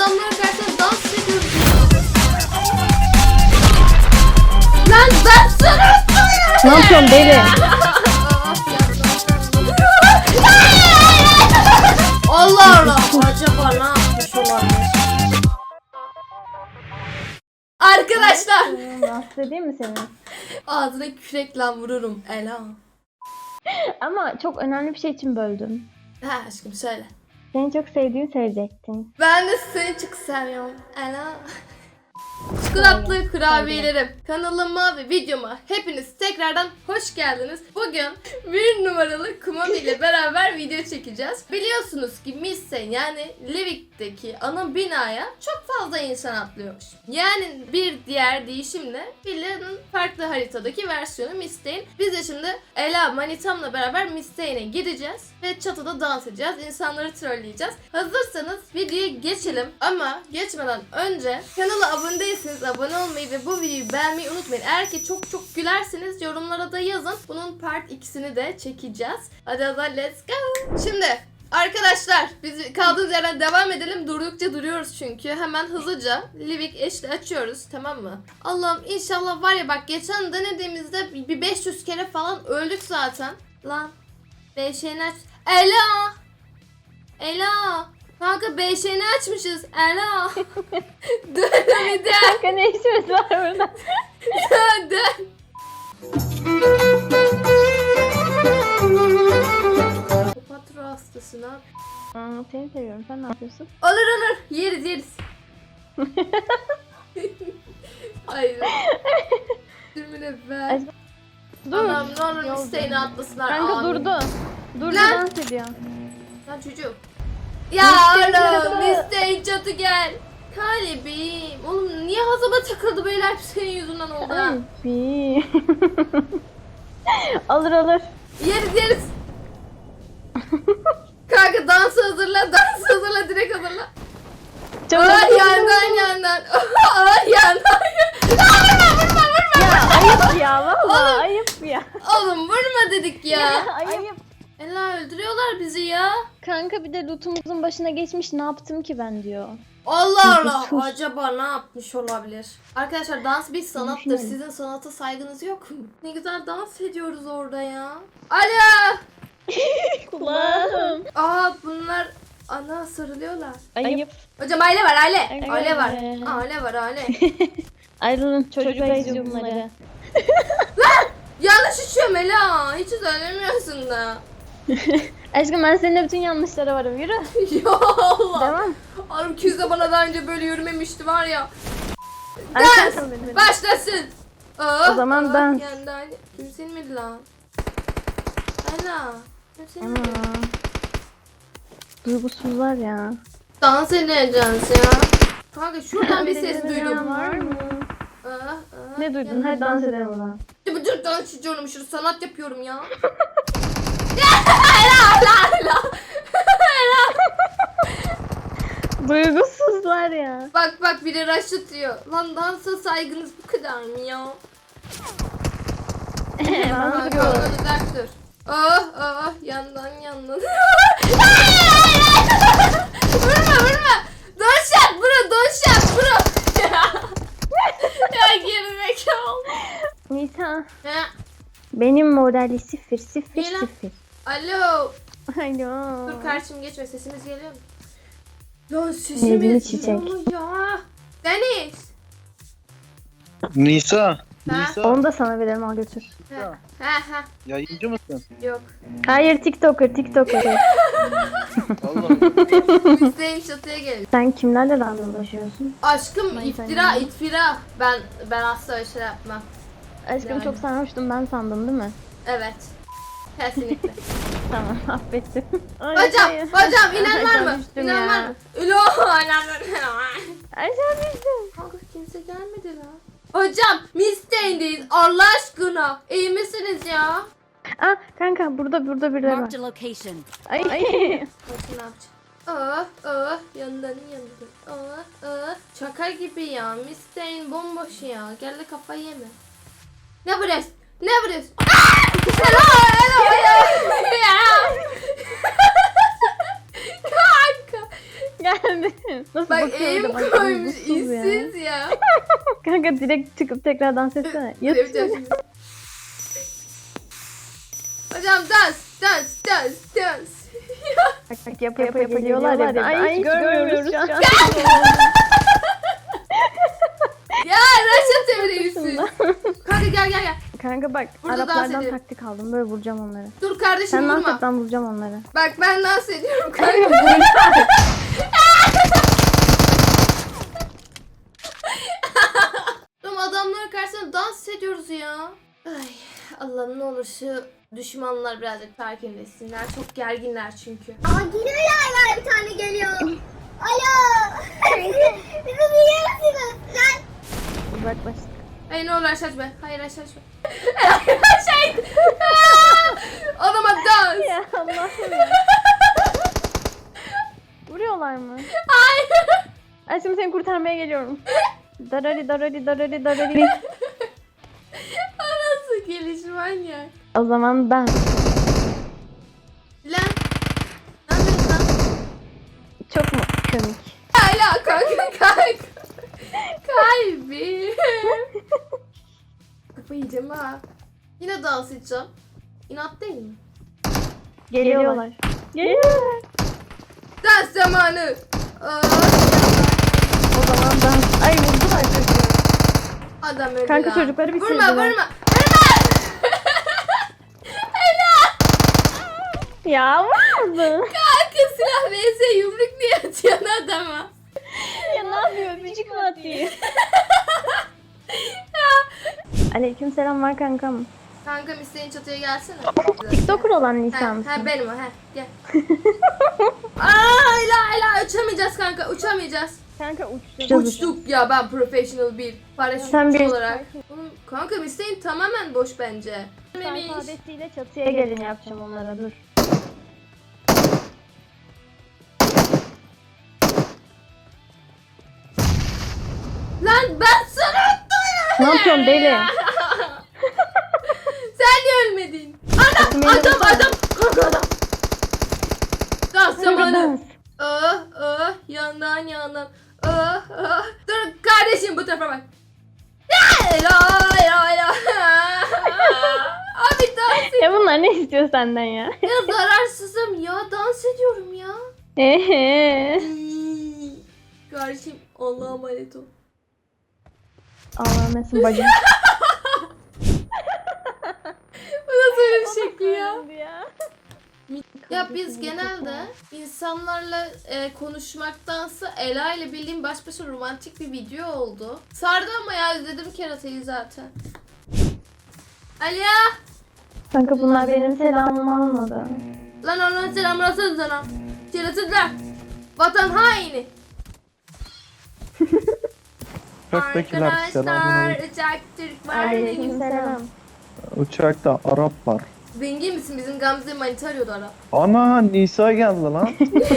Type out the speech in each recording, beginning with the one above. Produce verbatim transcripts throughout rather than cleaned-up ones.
adamların karşısında dans ediyoruz. Lan ben sana Ne yapıyorsun deli? Allah Allah. Acaba ne yapmış olabilir? Arkadaşlar. Rahatsız edeyim mi seni? Ağzına kürekle vururum Ela. Ama çok önemli bir şey için böldüm. Ha aşkım söyle. Seni çok sevdiğimi söyleyecektin. Ben de seni çok seviyorum Ela. Çikolatlı kurabiyelerim. Kanalıma ve videoma hepiniz tekrardan hoş geldiniz. Bugün bir numaralı Kumami ile beraber video çekeceğiz. Biliyorsunuz ki Miss'ten yani Livik'teki ana binaya çok fazla insan atlıyormuş. Yani bir diğer deyişimle villanın farklı haritadaki versiyonu Miss'ten. Biz de şimdi Ela Manitam'la beraber Miss'ten'e gideceğiz ve çatıda dans edeceğiz. İnsanları trolleyeceğiz. Hazırsanız videoya geçelim ama geçmeden önce kanala abone değilseniz abone olmayı ve bu videoyu beğenmeyi unutmayın. Eğer ki çok çok gülerseniz yorumlara da yazın. Bunun part ikisini de çekeceğiz. Hadi o zaman let's go. Şimdi arkadaşlar biz kaldığımız yerden devam edelim. Durdukça duruyoruz çünkü. Hemen hızlıca Livik eşli açıyoruz, tamam mı? Allah'ım inşallah var ya, bak geçen denediğimizde bir beş yüz kere falan öldük zaten. Lan beşiğini aç. Ela! Ela! Kanka beşiğini açmışız. Ela! Dön bir dön. Kanka ne işimiz var burada? Dön dön. Patro hastası ne yapıyor? Aa, seni seviyorum. Sen ne yapıyorsun? Olur olur. Yeriz yeriz. Hayır. Dümüne ver. Dur. Anam ne olur Yol isteğini dönüyor. atlasınlar. Kanka Amin. durdu. Durdu, Lan. dans ediyor. Lan çocuk. Ya oğlum isteğin çatı gel. Kalbim. Oğlum niye hazıma takıldı böyle, hep senin yüzünden oldu ha. Ay bi. Alır alır. Yeriz yeriz. Kanka dansı hazırla, dansı hazırla, direkt hazırla. Çabuk. Ay yandan yandan. Ay yandan. Vurma vurma vurma. Ya ayıp ya valla Oğlum. ayıp ya. Oğlum vurma dedik ya. Ayıp. Ela öldürüyorlar bizi ya. Kanka bir de lootumuzun başına geçmiş, ne yaptım ki ben diyor. Allah Allah. Sus. Acaba ne yapmış olabilir? Arkadaşlar dans bir sanattır. Düşünelim. Sizin sanata saygınız yok mu? Ne güzel dans ediyoruz orada ya. Alo. Kulağım. Aa bunlar ana sarılıyorlar. Ayıp. Hocam aile var aile. Evet. Aile var. Aile var aile. Ayrılın, çocuklar izliyor bunları. Yanlış içiyorum Ela. Hiç söylemiyorsun da. Aşkım ben seninle bütün yanlışlara varım, yürü. Ya Allah. Devam. Oğlum Küz de bana daha önce böyle yürümemişti var ya. Arkadaşlar Dans benim. başlasın. Oh, O zaman oh, dans. Yani daha kimsenin miydi lan? Ela. Kimsenin Ama. miydi? Duygusuzlar ya. Dans edeceğiz ya. Kanka şuradan bir ses Var duydum. mı? Ah, ah, Ne duydun? yani- Hadi dans edelim o zaman. Dur dur dans ediyorum, şurada sanat yapıyorum ya. Ela Ela Ela. Duygusuzlar ya. Bak bak biri rush atıyor. Lan dansa saygınız bu kadar mı ya? Ben Kanka duruyorum. uzak dur. Oh oh yandan yandan. Vurma vurma. Don shot bro, don shot bro. Ya gerizekalı. Nisa. Ha, Benim morali sıfır sıfır Niye lan? sıfır. alo. Alo. Dur karşım geçme, sesimiz geliyor mu? Lan Nedeni sesimiz çiçek. geliyor ya. Deniz. Nisa. Ha? Nisa. Onu da sana verelim, al götür. Ha ha ha. Yayıncı mısın? Yok. Hayır, TikToker TikToker. Allah. Hüseyin çatıya geliyor. Sen kimlerle randevulaşıyorsun? Aşkım Ay, iftira sen- iftira. Ben ben asla öyle şey yapmam. Aşkım Yani. çok sarhoştum, ben sandım değil mi? Evet. Kesinlikle. Tamam, affettim. Ay, Hocam, ay. hocam inen var Aşağı mı? düştüm İnen ya. var mı? Ülo, inen var. Aşağı düştüm. Kanka kimse gelmedi lan. Hocam, Mistey'indeyiz. Allah aşkına. İyi misiniz ya? Aa kanka, burada burada birileri var. Marked a location. Ay. Bakın ne yapacağım. Ah ah yandan yandan. Ah ah. Şaka gibi ya. Mistey'in bomboş ya. Gel de kafayı yeme. Ne burası? Ne burası? Hello hello hello. Ya. Kanka. Geldi. Nasıl Bak bakıyor eğim da bak, koymuş duygusuz ya. işsiz ya. Kanka direkt çıkıp tekrar dans etsene. Yapacağım Yatıyor. şimdi. Hocam dans dans dans dans. Bak bak yapa yapa, yapa geliyorlar ya. Ay hiç görmüyoruz şu an. Ya Raşat Emre yüzsüz. Kanka gel gel gel. Kanka bak Burada dans Araplardan edelim. taktik aldım. Böyle vuracağım onları. Dur kardeşim Sen dans vurma. et ben vuracağım onları. Bak ben dans ediyorum Kanka kanka. vuracağım. Oğlum adamların karşısında dans ediyoruz ya. Ay Allah'ım ne olur şu düşmanlar birazcık sakinleşsinler. Çok gerginler çünkü. Aa geliyorlar var bir tane geliyor. Alo. Bizi duyuyor musunuz? Lan. Uzaklaştık. Hayır ne olur aşağı be. Hayır aşağı be. Aşağı. Adama dans. Ya Allah'ım ya. Vuruyorlar mı? Hayır. Ay şimdi seni kurtarmaya geliyorum. Darari darari darari darari. O nasıl gelişmen ya? O zaman ben. Lan. Ne yapıyorsun lan? Çok mu komik? Hala kanka kanka. Kalbim. Kafayı yiyeceğim ha. Yine dans edeceğim. İnat değil mi? Geliyorlar. Geliyorlar. Dans zamanı. Aa, O zaman ben. Ay vurdular çocuğu. adam öldü Kanka lan. çocukları Vurma bitirdiler. vurma. Vurma. Ya vurdu. Kanka silah vs yumruk niye atıyorsun adama? Ya ne yapıyor? Öpücük mü atıyor? Aleyküm selam var kankam. Kankam isteyin çatıya gelsene. TikToker olan Ha, Nisa ha mısın? benim o ha gel. Aa ila ila uçamayacağız kanka uçamayacağız. Kanka uçacağız. Uçtuk ya ben professional bir Sen paraşütçü bir- olarak. Oğlum kanka isteyin tamamen boş bence. Memiş. Alfabesiyle çatıya gelin yapacağım onlara dur. Lan ben sana Ne yapıyorsun deli? Sen niye ölmedin? Adam Benim adam de- adam kanka adam. Dans Kanka zamanı. dans. Ah ah yandan yandan. Ah ah. Dur kardeşim bu tarafa bak. La la la. Abi dans Ya bunlar ne istiyor senden ya? ya zararsızım ya dans ediyorum ya. Ehe. Kardeşim Allah'a emanet ol. Allah'ım nesin bacım. Bu nasıl bir şekli ya? ya. Ya biz genelde insanlarla e, konuşmaktansa Ela ile bildiğim baş başa romantik bir video oldu. Sardı ama ya izledim keratayı zaten. Aliya! Kanka bunlar benim selamımı almadı. Lan onun selamını atın sana. Keratılar. Vatan haini. Uçaktakiler Arkadaşlar selamünaleyküm. uçak Türk var. Aleyküm selam. Uçakta Arap var. Zengin misin? Bizim Gamze manita arıyordu ara. Ana Nisa geldi lan.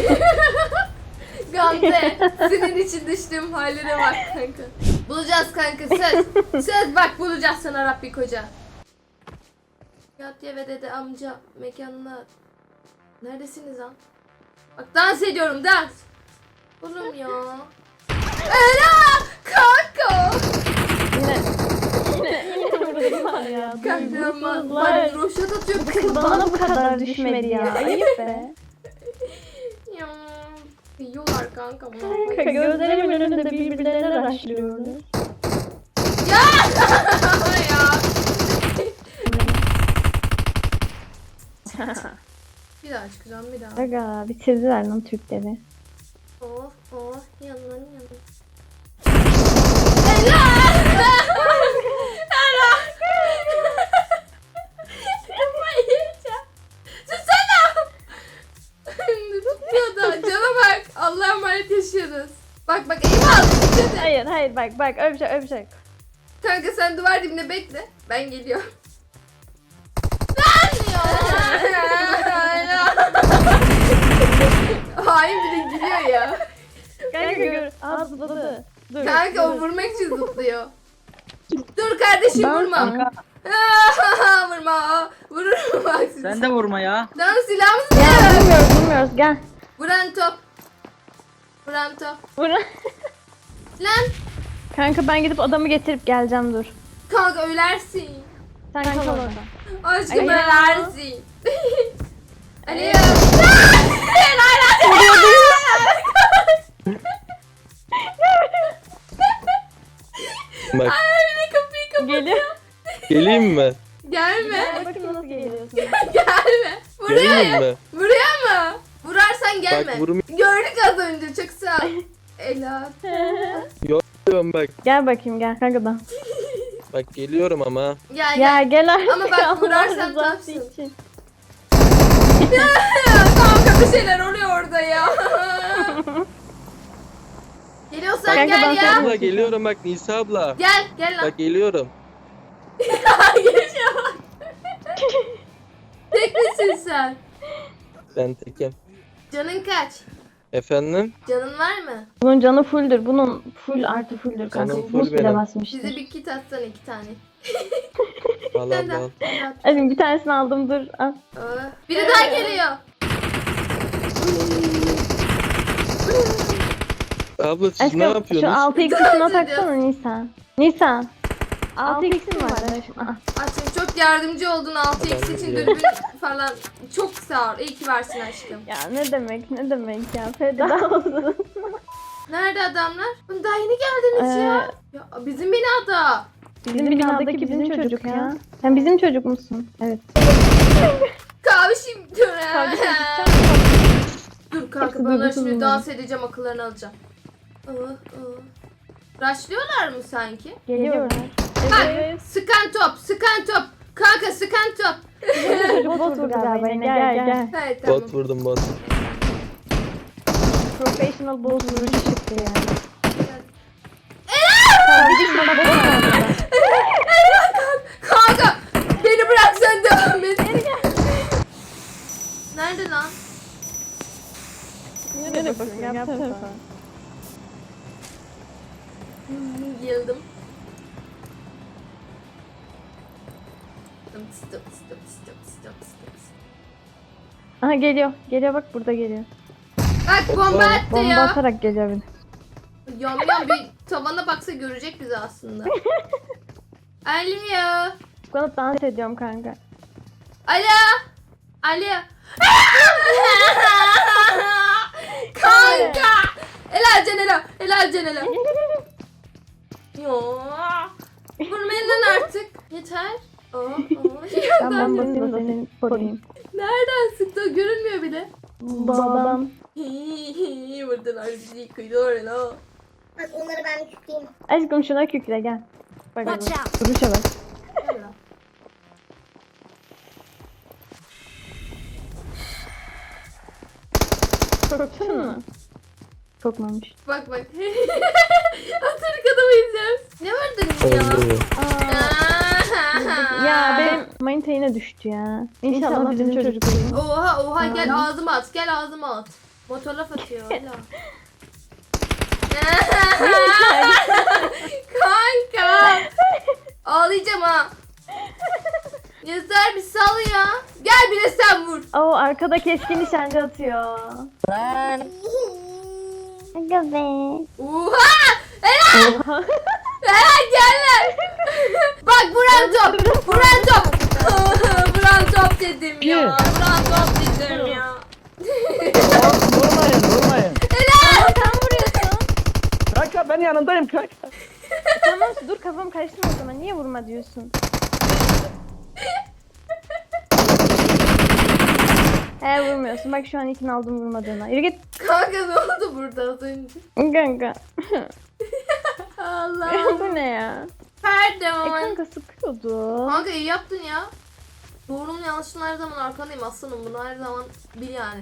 Gamze senin için düştüğüm hallere bak kanka. Bulacağız kanka söz. Söz bak bulacağız sana Rabbi koca. Yatya ve dede amca mekanına. Neredesiniz lan? Bak dans ediyorum dans. Oğlum ya. Ela kanka. Yine. Yine yine vurdular ya. Kanka ama Vurdular. bak roşat atıyor. Kız bana bu kadar düşmedi ya. Ayıp be. Ya. Yiyorlar kanka bunu. Kanka gözlerimin önünde birbirlerine raşlıyorlar. Ya. ya. Bir daha çıkacağım bir daha. Aga bitirdiler lan Türkleri. Oh oh yandan yandan. Ela! Ela! Kafayı yiyeceğim. Susana! Tutuyor da cana bak. Allah'a emanet yaşıyoruz. Bak bak eğim al. Hayır hayır bak bak öpecek öpecek. Kanka sen duvar dibine bekle. Ben geliyorum. Lan ya! Hain bir de gülüyor ya. Kanka gör. Aa zıpladı. Dur. Kanka o vurmak için zıplıyor. Dur kardeşim Ben- vurma. Kanka Vurma. Vururum bak sizi. sen de vurma ya. Lan silahımız Ya ne? bilmiyoruz bilmiyoruz gel. Vuran top. Vuran top. Bura- Lan Kanka ben gidip adamı getirip geleceğim dur. kanka ölersin. Sen kal orada. Aşkım Alo. ölersin. Alo. Bak Ay kapıyı kapat. Geliyor. geleyim mi? Gelme. Bakayım nasıl geliyorsun. Gelme. Buraya Geleyim ya. mi? Buraya mı? Vurarsan gelme. Bak vurum Gördük az önce çok sağ ol. Ela. yapıyorum bak. Gel bakayım gel kanka da. Bak geliyorum ama. Gel Ya gel. gel artık. Ama bak Allah vurarsan rızası tapsın. için. Kanka bir şeyler oluyor orada ya. Geliyorsan Kanka gel ben ya. Abla geliyorum bak Nisa abla. Gel gel lan. Bak geliyorum. Gelişe bak. Tek misin sen? Ben tekim. Canın kaç? Efendim? Canın var mı? Bunun canı fulldür. Bunun full artı fulldür kanka. Canım full Buz bile benim. basmıştır. Bize bir kit atsana iki tane. Al Sen de abla al. al. At. Hadi bir tanesini aldım dur. Al. Aa, biri daha geliyor. Abla siz Aşkım ne şu yapıyorsunuz? altı x'ini Dans taksana ediyoruz. Nisa. Nisa. altı x'in var. aşkım. Ah. Aşkım çok yardımcı oldun altı x Ben için biliyorum. dürbün falan. Çok sağ ol. İyi ki varsın aşkım. Ya ne demek ne demek ya. Feda olsun. Nerede adamlar? Daha yeni geldiniz Ee, ya. Ya bizim binada. Bizim binadaki bizim çocuk ya. Sen bizim çocuk musun? Evet. Kavşim dur. Kardeşim, Dur kanka Hepsi ben onlara duygusuz şimdi bunlar. dans edeceğim akıllarını alacağım. Aa, aa. Rushlıyorlar mı sanki? Geliyorlar. Bak Evet. sıkan top sıkan top. Kanka sıkan top. Çocuk bot vurdu galiba yine. Gel gel. Evet tamam. Bot vurdum bot. Professional bot vuruşu çıktı yani. Kanka beni bırak sen devam et. Nerede lan? Nereye bakıyorsun? Yapsana. Hmm, Yıldım. Stop stop stop stop stop stop. Aha geliyor. Geliyor bak burada geliyor. Bak bomba attı Bomba ya. atarak geliyor bir de. Yan yan bir tavana baksa görecek bizi aslında. Alo. Çikolata dans ediyorum kanka. Alo. Alo. Kanka. Ela Cenela. Ela Cenela. Yo. Vurmayın lan artık. Yeter. Aa, aa. Ben ben basayım da seni koruyayım. Nereden sıktı? O görünmüyor bile. Babam. Vurdular bizi kıydılar Ela. Bak onları ben kütleyeyim. Aşkım şuna kükre gel. Bak bak. Watch out. Duruşa bak. Ela. Korktun mu? Korkmamış. Bak bak. Atırık adamı izliyoruz. Ne vurdun ya? Öldü. Ya benim manita yine düştü ya. İnşallah bizim çocuk olur. Oha oha gel ağzıma at. Gel ağzıma at. Motor laf atıyor hala. Kanka. Ağlayacağım ha. Yeter bir sal ya. Gel bir de sen vur. Oo arkada keskin nişancı atıyor. Aga be. Oha. Ela. Ela gel lan. Bak vuran top. Vuran top. Vuran top dedim ya. Vuran top dedim ya. Vurmayın vurmayın. Ela. Sen vuruyorsun. Kanka ben yanındayım kanka. Tamam dur kafam karıştı o zaman. Niye vurma diyorsun? He vurmuyorsun. Bak şu an ikini aldım vurmadığına. Yürü git. Kanka ne oldu burada az önce? Kanka. Allah. Bu ne ya? E Pardon. kanka sıkıyordu. Kanka iyi yaptın ya. Doğrunun yanlışın her zaman arkandayım aslanım. Bunu her zaman bil yani.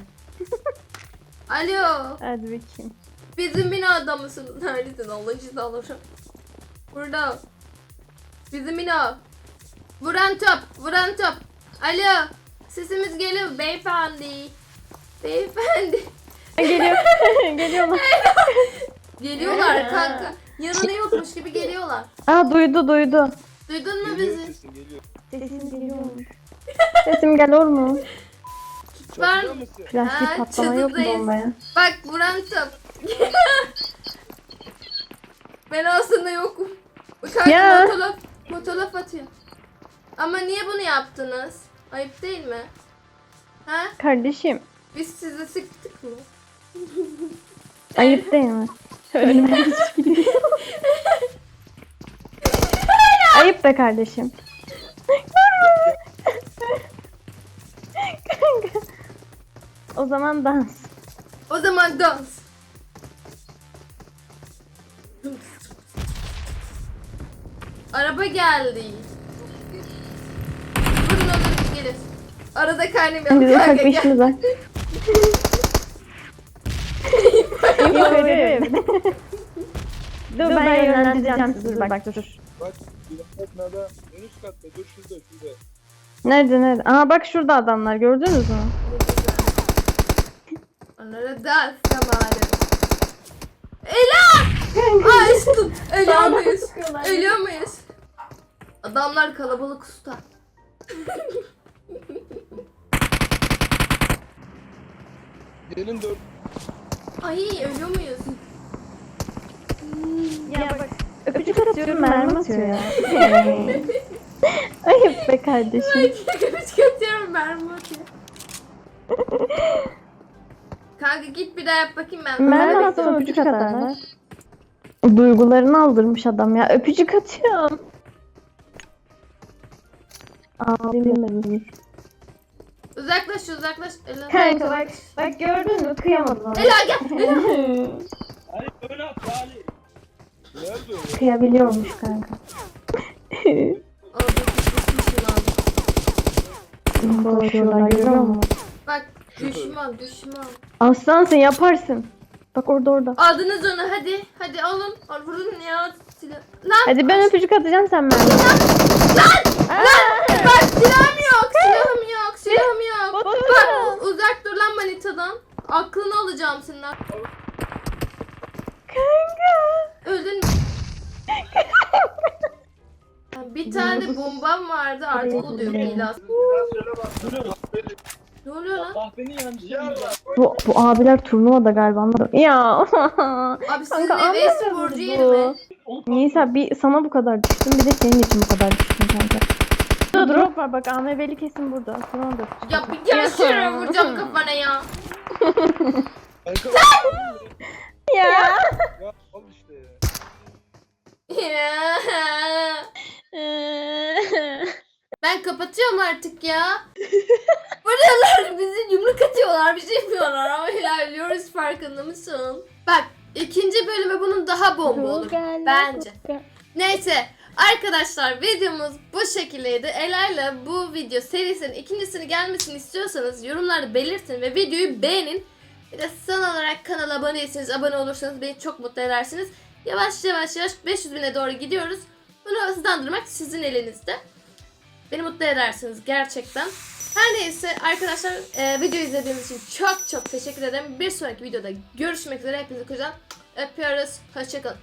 Alo. Hadi bakayım. Bizim binada mısın? Neredesin? Allah için alırım. Burada. Bizim bina. Vuran top. Vuran top. Alo. Sesimiz geliyor beyefendi. Beyefendi. Geliyor. Geliyorlar. Geliyorlar kanka. Yanına yokmuş gibi geliyorlar. Aa duydu duydu. Duydun mu bizi? Sesim geliyormuş. Sesim geliyor mu? Var mı? Plastik Ha, patlama yok mu çadırdayız. bombaya? Bak vuran top. Ben aslında yokum. Kanka Ya. motolaf, motolaf atıyor. Ama niye bunu yaptınız? Ayıp değil mi? Ha? Kardeşim Biz sizi sıktık mı? ayıp değil mi? Ölmem hiç gidiyor. Ayıp be kardeşim. Kanka. O zaman dans. O zaman dans. Araba geldi. Vurun olur gelir. Arada kaynamayalım. Biz ufak Kanka bir gel. işimiz var. Yok öyle mi? Dur ben yönlendireceğim sizi bak dur. Bak bir nerede? En üst katta dur şurada şurada. Nerede nerede? Aha bak şurada adamlar gördünüz mü? Onlara dans zamanı. Ela! Açtım. Ölüyor muyuz? Ölüyor muyuz? Adamlar kalabalık usta. Gelin dört. Ay ölüyor muyuz? Ya bak öpücük atıyorum mermi atıyor ya. Ayıp be kardeşim. Kıvıç katıyorum mermi atıyor. Kanka git bir daha yap bakayım ben. Mermi atsam öpücük atarlar. Duygularını aldırmış adam ya. Öpücük atıyorum. Abim Uzaklaş uzaklaş. Ela. Kanka bak, bak gördün mü kıyamadım. Ela gel. Ela. Ali öne at Ali. Nerede o? Kıyabiliyormuş kanka. Orada düşmüşsün lan. Dolaşıyorlar görüyor musun? Bak düşman düşman. Aslansın yaparsın. Bak orada orada. Aldınız onu hadi. Hadi alın. Al, vurun ya. Silah. Lan. Hadi ben öpücük atacağım sen mermi. Bak silahım yok. Silahım yok. Silahım yok. Bot Bak öldü. uzak dur lan manitadan. Aklını alacağım senin. Kanka. Öldün mü? Bir tane bombam vardı artık o da yok ilas. Ne oluyor lan? Ah beni yanlış. Bu, bu abiler turnuvada galiba anladım. Ya. Abi sizin Kanka, ev anladın sporcu bu. yeri mi? Neyse bir sana bu kadar düştüm bir de senin için bu kadar düştüm kanka. Dur drop var bak A M V'li kesin burada. Sonra da öpücük Ya atacağım. bir gel şuraya vuracağım kafana ya. Kanka. Ya. Ya al işte ya. Ben kapatıyorum artık ya. Buralar bizi yumruk atıyorlar, bir şey yapıyorlar ama ilerliyoruz farkında mısın? Bak ikinci bölümü bunun daha bomba olur bence. Neyse arkadaşlar videomuz bu şekildeydi. Ela'yla bu video serisinin ikincisini gelmesini istiyorsanız yorumlarda belirtin ve videoyu beğenin. Bir de son olarak kanala abone değilseniz abone olursanız beni çok mutlu edersiniz. Yavaş yavaş yavaş beş yüz bine doğru gidiyoruz. Bunu hızlandırmak sizin elinizde. Beni mutlu edersiniz gerçekten. Her neyse arkadaşlar e, video izlediğiniz için çok çok teşekkür ederim. Bir sonraki videoda görüşmek üzere. Hepinizi kucağına öpüyoruz. Hoşçakalın.